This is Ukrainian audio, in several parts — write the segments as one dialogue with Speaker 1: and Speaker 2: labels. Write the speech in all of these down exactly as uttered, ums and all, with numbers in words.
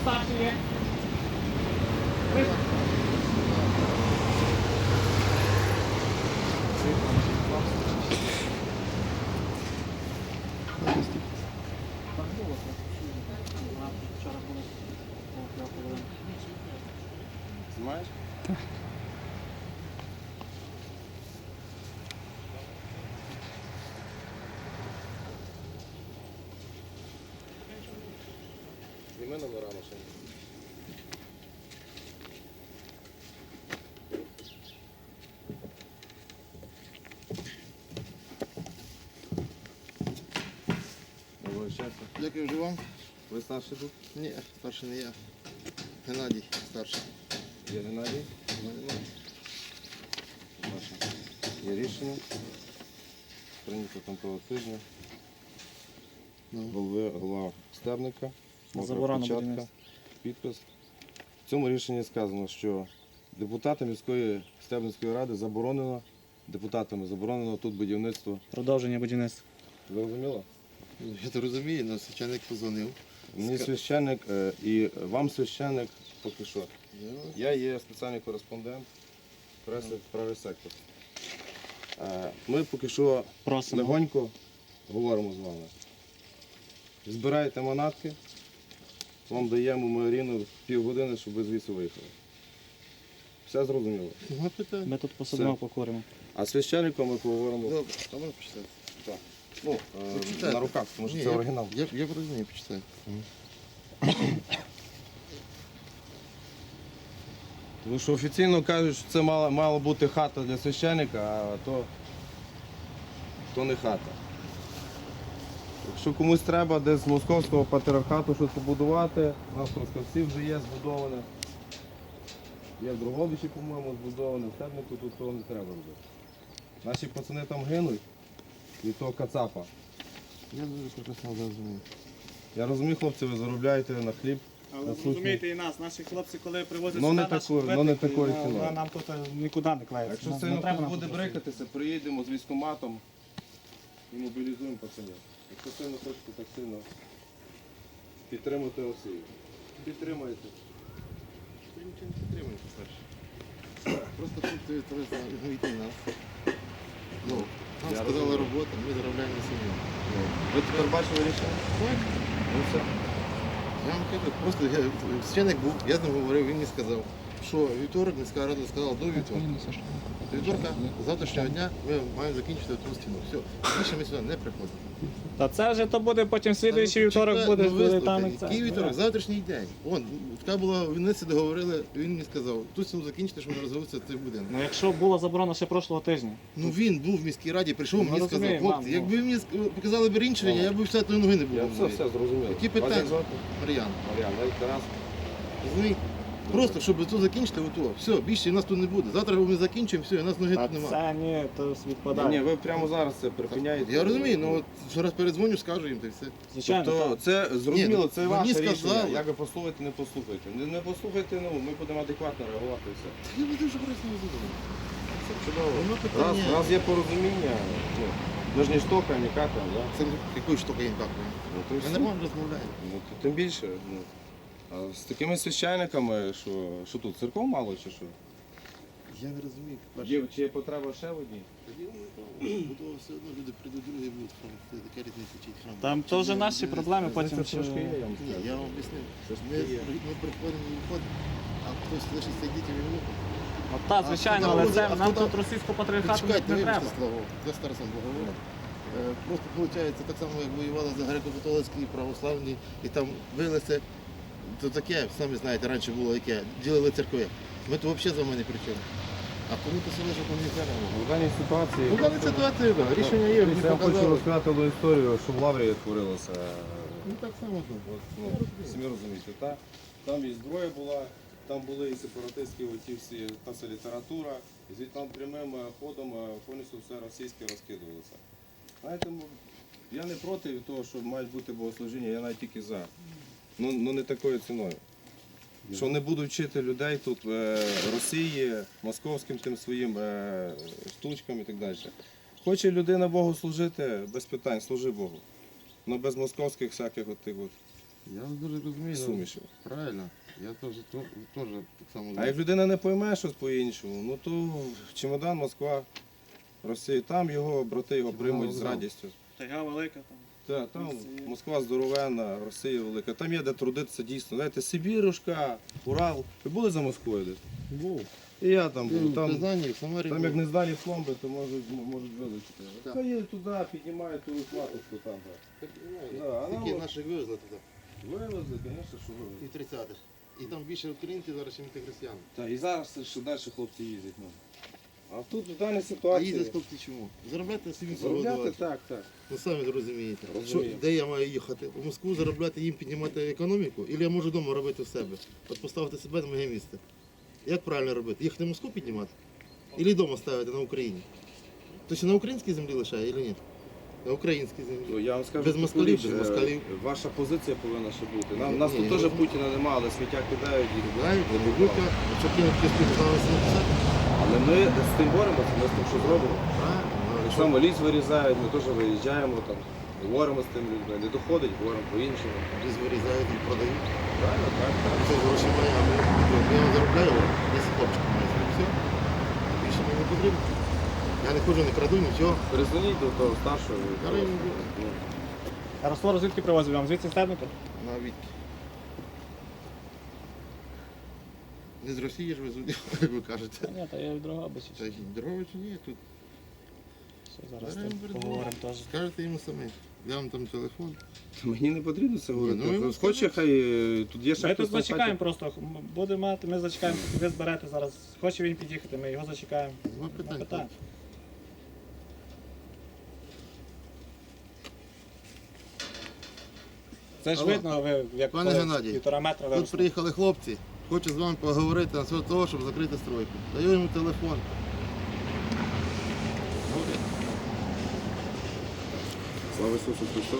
Speaker 1: старший є? Ви? Так було, так. Вчора було.
Speaker 2: Знімаєш? Зніми номера машини. Доброго щастя.
Speaker 3: Дякую вже вам.
Speaker 2: Ви старший тут?
Speaker 3: Ні, старший не я. Геннадій старший.
Speaker 2: Є Геннадій? Ваше. Є рішення. Прийнято там того тижня.
Speaker 3: Ну.
Speaker 2: Голови, голова Стебника. мокра
Speaker 1: Заборона
Speaker 2: печатка,
Speaker 1: будівництва.
Speaker 2: підпис. В цьому рішенні сказано, що депутатам міської Стебницької ради заборонено, депутатами заборонено тут будівництво.
Speaker 1: Продовження будівництва.
Speaker 2: Зрозуміло?
Speaker 3: Ну, я то розумію, але священник позвонив.
Speaker 2: Мені
Speaker 3: Ска-
Speaker 2: священник е, і вам священник поки що.
Speaker 3: Я-
Speaker 2: Я є спеціальний кореспондент преси правий сектор. Е, Ми поки що
Speaker 1: Просимо.
Speaker 2: легонько говоримо з вами. Збирайте манатки, вам даємо ми рівно півгодини, щоб ви звідси виїхали. Все зрозуміло.
Speaker 3: Нема питань.
Speaker 1: Ми тут посадимо, покуримо.
Speaker 2: А з священником ми поговоримо
Speaker 3: Добре, а можна почитати?
Speaker 2: так. Ну, е,
Speaker 3: Почитайте.
Speaker 2: на руках, тому що
Speaker 3: Ні,
Speaker 2: це
Speaker 3: я-
Speaker 2: оригінал.
Speaker 3: Я, я розумію, почитаю.
Speaker 2: Тому що офіційно кажуть, що це мала, мала бути хата для священника, а то, то не хата. Якщо комусь треба десь з московського патріархату щось побудувати, у нас в Трускавці вже є збудоване. Є в Дрогобичі, по-моєму, збудоване, в Стебнику тут того не треба робити. Наші пацани там гинуть від того кацапа.
Speaker 3: Я дуже прекрасно розумію.
Speaker 2: Я розумію, хлопці, ви заробляєте на хліб.
Speaker 1: Але
Speaker 2: на
Speaker 1: зрозумійте і нас, наші хлопці, коли привозять
Speaker 2: Ну,
Speaker 1: сюди
Speaker 2: не
Speaker 1: наші
Speaker 2: таку- ну, не
Speaker 1: витики,
Speaker 2: такої
Speaker 1: ну,
Speaker 2: ціною.
Speaker 1: нам тут нікуди не клеїться.
Speaker 2: Якщо
Speaker 1: Нам-
Speaker 2: сильно
Speaker 1: не треба
Speaker 2: хтось
Speaker 1: нам
Speaker 2: буде
Speaker 1: тут
Speaker 2: брикатися, приїдемо з військкоматом і мобілізуємо пацанів. Якщо сильно хочете так сильно підтримати Росію. Підтримайте.
Speaker 3: Я нічого не підтримую, старший. Просто тут ти вийти нас. Ну, нам
Speaker 2: Я
Speaker 3: сказали
Speaker 2: розумію.
Speaker 3: робота, ми заробляємо на самі.
Speaker 2: Ви тепер бачили рішення?
Speaker 3: Так.
Speaker 2: Ну все.
Speaker 3: Я вам кажу, просто я, священник був, я з ним говорив, він мені сказав, що вівторок міська рада сказала до вівторка. До вівторка, з завтрашнього дня ми маємо закінчити ту стіну. Все, більше ми сюди не приходимо.
Speaker 1: Та це вже то буде потім слідуючий
Speaker 3: Ну,
Speaker 1: вівторок
Speaker 3: чекай,
Speaker 1: буде,
Speaker 3: ну,
Speaker 1: буде
Speaker 3: вислухай,
Speaker 1: там і це.
Speaker 3: який вівторок? Завтрашній день. Вон, така була, вони це договорили, він мені сказав, ту стіну закінчити, щоб не розвився цей будинок.
Speaker 1: Ну якщо була заборона ще прошлого тижня.
Speaker 3: Ну він був в міській раді, прийшов,
Speaker 1: Ну,
Speaker 3: мені сказав,
Speaker 1: розумію,
Speaker 3: хлопці,
Speaker 1: мам, ну.
Speaker 3: якби ви мені ск- показали б рішення, я б все тої ноги не було.
Speaker 2: Я
Speaker 3: в
Speaker 2: все,
Speaker 3: моїй.
Speaker 2: все зрозумів.
Speaker 3: Які
Speaker 2: Вас як
Speaker 3: питання?
Speaker 2: звати?
Speaker 3: Мар'ян,
Speaker 2: Мар'ян, навіть Тарас.
Speaker 3: розумієте? Просто, щоб тут закінчити, ото, все, більше в нас тут не буде. Завтра ми закінчимо, все, і нас ноги
Speaker 1: А
Speaker 3: тут немає.
Speaker 1: це ні, то
Speaker 2: Ні,
Speaker 1: відпадає.
Speaker 2: ні, ви прямо зараз це припиняєте.
Speaker 3: Я розумію, ну от що раз передзвоню, скажу їм, та й все.
Speaker 1: Звичайно,
Speaker 2: Тобто
Speaker 1: так.
Speaker 2: це зрозуміло,
Speaker 3: Ні,
Speaker 2: це
Speaker 3: мені
Speaker 2: ваше
Speaker 3: сказали.
Speaker 2: рішення. Як ви послухаєте, не послухайте. Не, не послухайте, ну ми будемо адекватно реагувати і все.
Speaker 3: Я буду вже просто не задумав.
Speaker 2: Це чудово.
Speaker 3: Воно
Speaker 2: Раз,
Speaker 3: питання.
Speaker 2: раз є порозуміння, ну, ми ж не штока, ні ката, да?
Speaker 3: Це якою штукою їм какою.
Speaker 2: Ну, то й
Speaker 3: Ми
Speaker 2: все.
Speaker 3: нормально розмовляємо.
Speaker 2: Ну, то тим більше. Ну. А з такими священниками, що, що тут, церков мало чи що?
Speaker 3: Я не розумію.
Speaker 2: Є, чи є потреба ще в одній?
Speaker 3: Бо все одно люди прийдуть, другі будуть храм. Це така різниця, чи храм.
Speaker 1: Там то вже наші проблеми потім.
Speaker 2: Це трошки є,
Speaker 1: чи-
Speaker 2: я вам
Speaker 3: Ні,
Speaker 2: скажу.
Speaker 3: я вам об'яснив.
Speaker 2: Це ж
Speaker 3: Ми,
Speaker 2: є.
Speaker 3: ми приходимо і виходимо, а хтось лишиться дітям і внукам.
Speaker 1: От так, звичайно,
Speaker 3: А
Speaker 1: але
Speaker 3: хто
Speaker 1: це
Speaker 3: там- а
Speaker 1: нам
Speaker 3: хто
Speaker 1: тут
Speaker 3: там-
Speaker 1: російського патріархату
Speaker 3: Чекайте,
Speaker 1: не
Speaker 3: вибачте
Speaker 1: треба.
Speaker 3: слово, я старосам говорю. Просто виходить так само, як воювали за греко-католицькі і православні, і там билися, то таке, самі знаєте, раніше було яке, ділили церкви. Ми то взагалі за мене при чому. А кому то село, що кому не треба.
Speaker 2: У даній ситуації...
Speaker 3: Ну, в даній ситуації, так, рішення є, мені
Speaker 2: Я вам хочу
Speaker 3: показали.
Speaker 2: розказати одну історію, що в Лаврі творилося.
Speaker 3: Ну так само тут.
Speaker 2: От, ну, самі розумієте, та? Там і зброя була, там були і сепаратистські оті всі, та вся література, і звідти там прямим е, ходом е, повністю все російське розкидувалося. Знаєте, м, я не проти того, що мають бути богослужіння, я навіть тільки за. Ну, ну не такою ціною. Що не будуть вчити людей тут е, Росії, московським тим своїм е, штучкам і так далі. Хоче людина Богу служити, без питань, служи Богу. Ну без московських всяких от тих от
Speaker 3: Я вас дуже розумію. ну,
Speaker 2: суміші.
Speaker 3: Правильно. Я теж то- теж так само.
Speaker 2: А як людина не пойме щось по-іншому, ну то чемодан, Москва, Росія, там його брати його приймуть з
Speaker 3: вокзал.
Speaker 2: радістю.
Speaker 1: Тайга велика там.
Speaker 2: Так, там Москва здоровенна, Росія велика. Там є де трудитися дійсно. Знаєте, Сибірушка, Урал. Ви були за Москвою десь?
Speaker 3: Був.
Speaker 2: І я там був.
Speaker 3: В
Speaker 2: Там,
Speaker 3: Казані, в Самарі.
Speaker 2: там
Speaker 3: був.
Speaker 2: як не здалі пломби, то можуть, м- можуть вилучити.
Speaker 3: Так.
Speaker 2: Та їдуть туди, піднімають ту матушку там. так.
Speaker 3: Так, ну,
Speaker 2: Да, а нам
Speaker 3: Такі
Speaker 2: от-
Speaker 3: наших вивезли туди.
Speaker 2: Вивезли, звісно, що вивезли.
Speaker 3: І в тридцятих. І там більше українців зараз, ніж християн.
Speaker 2: Так, і зараз ще далі хлопці їздять. Ну. А тут в даній
Speaker 3: А
Speaker 2: ситуації.
Speaker 3: їздять хлопці чому? Заробляти собі
Speaker 2: Заробляти,
Speaker 3: свободу.
Speaker 2: так, так.
Speaker 3: Ну самі розумієте.
Speaker 2: Розумію.
Speaker 3: Що, де я маю їхати? В Москву заробляти їм піднімати економіку? Або я можу вдома робити в себе? От поставити себе на моє місце. Як правильно робити? Їхати в Москву піднімати? Або вдома ставити на Україні? То що на українській землі лишає, або ні? На українській землі.
Speaker 2: Ну, я вам скажу,
Speaker 3: Без
Speaker 2: таку
Speaker 3: москалів,
Speaker 2: річ,
Speaker 3: без
Speaker 2: е,
Speaker 3: москалів.
Speaker 2: Ваша позиція повинна ще бути. Нам, нас
Speaker 3: Ні,
Speaker 2: тут
Speaker 3: я
Speaker 2: теж
Speaker 3: розумію.
Speaker 2: Путіна немає, але сміття кидають і
Speaker 3: Знаєте, Бабука, що кинуть кістку, то зараз написати?
Speaker 2: Але ми з тим боремося, ми з тим що зробимо.
Speaker 3: Правильно.
Speaker 2: Так само ліс вирізають, ми теж виїжджаємо, там, говоримо з тим людьми. Не доходить, говоримо по-іншому.
Speaker 3: Ліс вирізають і продають.
Speaker 2: Правильно, так, так.
Speaker 3: Це гроші мої, а ми я вам заробляю, десять хлопчиків має. Все. Більше мені не потрібно. Я не ходжу, не краду, нічого.
Speaker 2: Перезвоніть до того старшого. і
Speaker 3: Зараз
Speaker 2: того,
Speaker 3: я не
Speaker 2: ну,
Speaker 1: А раствор звідки привозив вам? Звідси стебника?
Speaker 3: На Вітки. Не з Росії ж везуть, як ви кажете.
Speaker 1: Ні, та я від Дрогобича.
Speaker 3: Та й дорога чи ні, тут
Speaker 1: Все, зараз
Speaker 3: Беремо,
Speaker 1: тим
Speaker 3: беремо.
Speaker 1: поговоримо теж.
Speaker 3: скажете йому самі. Я вам там телефон.
Speaker 2: Мені не потрібно це говорити.
Speaker 3: ну,
Speaker 2: Ну,
Speaker 3: ви
Speaker 2: Хоче,
Speaker 3: скажете.
Speaker 2: хай е, тут є ще
Speaker 1: Ми
Speaker 2: хтось
Speaker 1: тут
Speaker 2: на
Speaker 1: зачекаємо
Speaker 2: хаті.
Speaker 1: просто. М, Буде мати, ми зачекаємо, ви зберете зараз. Хоче він під'їхати, ми його зачекаємо.
Speaker 3: Два
Speaker 1: Нема
Speaker 3: питань.
Speaker 1: питань. Це ж
Speaker 3: Алло.
Speaker 1: видно, ви як
Speaker 3: Пане
Speaker 1: коли
Speaker 3: Геннадій,
Speaker 1: півтора метра
Speaker 3: Тут
Speaker 1: виросли.
Speaker 3: приїхали хлопці, хочу з вами поговорити на свого того, щоб закрити стройку. Даю йому телефон. Говорить.
Speaker 2: Слава Ісусу Христу.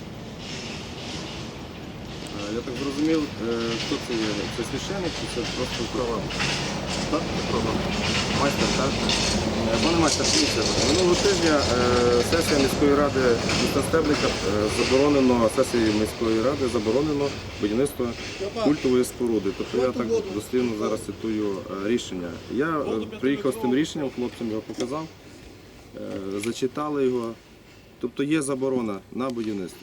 Speaker 2: Е, Я так зрозумів, е, хто це є? Це священник чи це просто права?
Speaker 3: Так, це правда.
Speaker 2: Майстер, так? Е, Пане майстер, дивіться, минулого тижня е, сесія міської ради міста Стебника е, заборонено, сесії міської ради заборонено будівництво культової споруди. Тобто я так дослівно зараз цитую е, рішення. Я е, приїхав з тим рішенням, хлопцям його показав, е, зачитали його. Тобто є заборона на будівництво.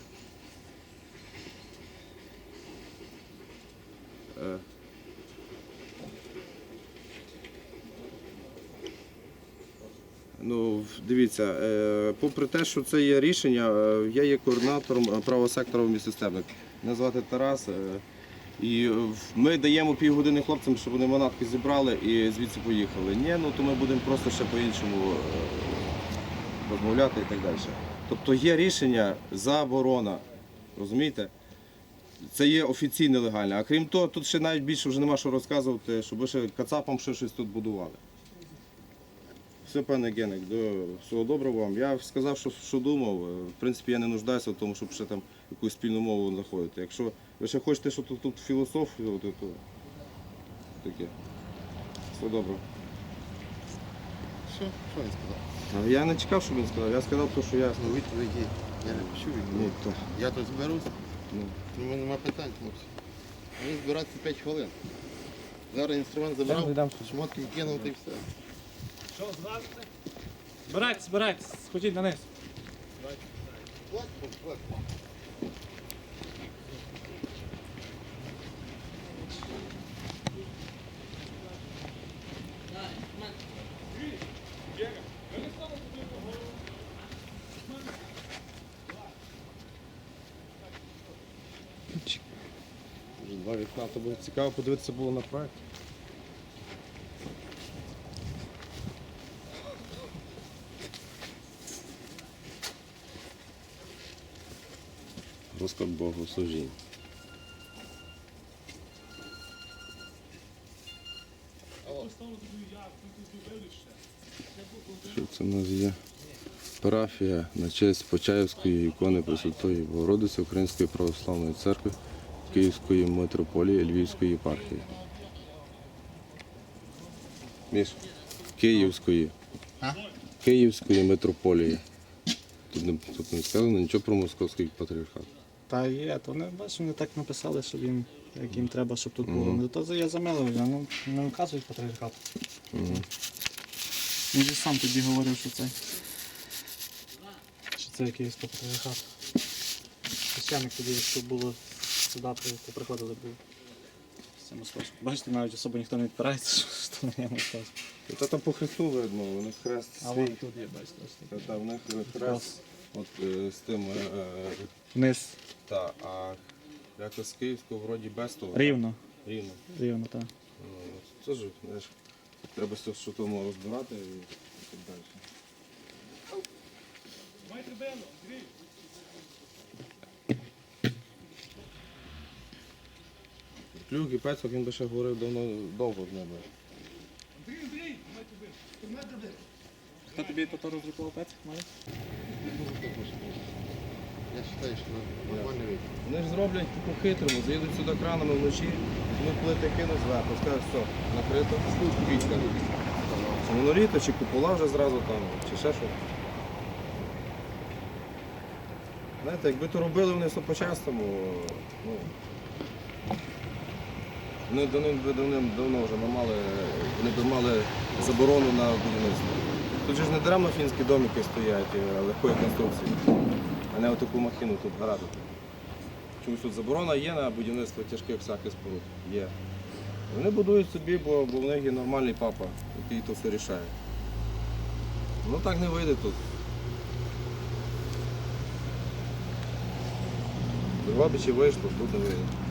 Speaker 2: Е, Ну, дивіться, е, попри те, що це є рішення, е, я є координатором е, правого сектора в місті Стебник. Мене звати Тарас. е, І е, в- ми даємо півгодини хлопцям, щоб вони манатки зібрали і звідси поїхали. Ні, ну то ми будемо просто ще по-іншому е, розмовляти і так далі. Тобто є рішення заборона. Розумієте? Це є офіційне легальне. А крім того, тут ще навіть більше вже нема що розказувати, щоб ви ще кацапам ще щось тут будували. Все, пане Генек, до всього доброго вам. Я сказав, що, що думав. В принципі, я не нуждаюся в тому, щоб ще там якусь спільну мову знаходити. Якщо ви ще хочете, щоб тут, тут філософію, то, то таке. Все добре.
Speaker 3: Що? Що він сказав?
Speaker 2: А я не чекав, що він сказав. Я сказав те, що я.
Speaker 3: Ну, відповіді. Я не почув від
Speaker 2: Ну,
Speaker 3: нього.
Speaker 2: то,
Speaker 3: Я тут зберусь,
Speaker 2: ну.
Speaker 3: у мене немає питань, хлопці. Мені збиратися п'ять хвилин. Зараз інструмент забрав, шмотки кинув та й все.
Speaker 1: Що, зразите? Збирайтесь, збирайтесь, сходіть на низ.
Speaker 2: Вже два вікна, то було цікаво подивитися було на проект. Розклад богослужінь. Що це у нас є? Парафія на честь Почаївської ікони Пресвятої Богородиці Української православної церкви Київської митрополії Львівської єпархії. Міш? Київської.
Speaker 3: А?
Speaker 2: Київської митрополії. Тут не, тут не сказано нічого про московський патріархат.
Speaker 1: Та є, то вони, бачиш, вони так написали, що він, як їм треба, щоб тут було.
Speaker 2: Мгм.
Speaker 1: Ну, то я замилив, ну, не вказують патріархат.
Speaker 2: Мгм.
Speaker 1: Він же сам тоді говорив, що це, що це київський патріархат. Священник тоді, що було сюди, при- приходили, був з цим московським. Бачите, навіть особо ніхто не відпирається, що, що не є московським.
Speaker 2: Та там по хресту видно, у них хрест
Speaker 1: А
Speaker 2: свій.
Speaker 1: вон тут є, бачите, ось
Speaker 2: Та,
Speaker 1: такий.
Speaker 2: та, в них хрест от, е, з тим, е, е,
Speaker 1: Вниз,
Speaker 2: та, а якось з Київського вроді без того.
Speaker 1: рівно,
Speaker 2: Рівно.
Speaker 1: рівно, так.
Speaker 2: Ну, Це ж, знаєш, треба все, що тому розбирати і, і так далі. Клюк і Пецок, він би ще говорив давно, довго з ними.
Speaker 1: Хто тобі то розрахував пець?
Speaker 3: Я вважаю, що нормальний вид.
Speaker 2: Вони ж зроблять по-хитрому, заїдуть сюди кранами вночі, ми плити кинуть зверху, скажуть, все, накрито, квітка. Чи моноліти, чи купола вже зразу там, чи ще що. Знаєте, якби то робили вони все по-чесному, ну, вони давним, давним, давно вже не мали, вони б мали заборону на будівництво. Тут же ж не даремно фінські домики стоять е, легкої конструкції, а не отаку махіну тут градити. Чомусь тут заборона є на будівництво тяжких всяких споруд. Є. Вони будують собі, бо, бо в них є нормальний папа, який то все рішає. Ну так не вийде тут. Дрогобичі вийшло, тут не вийде.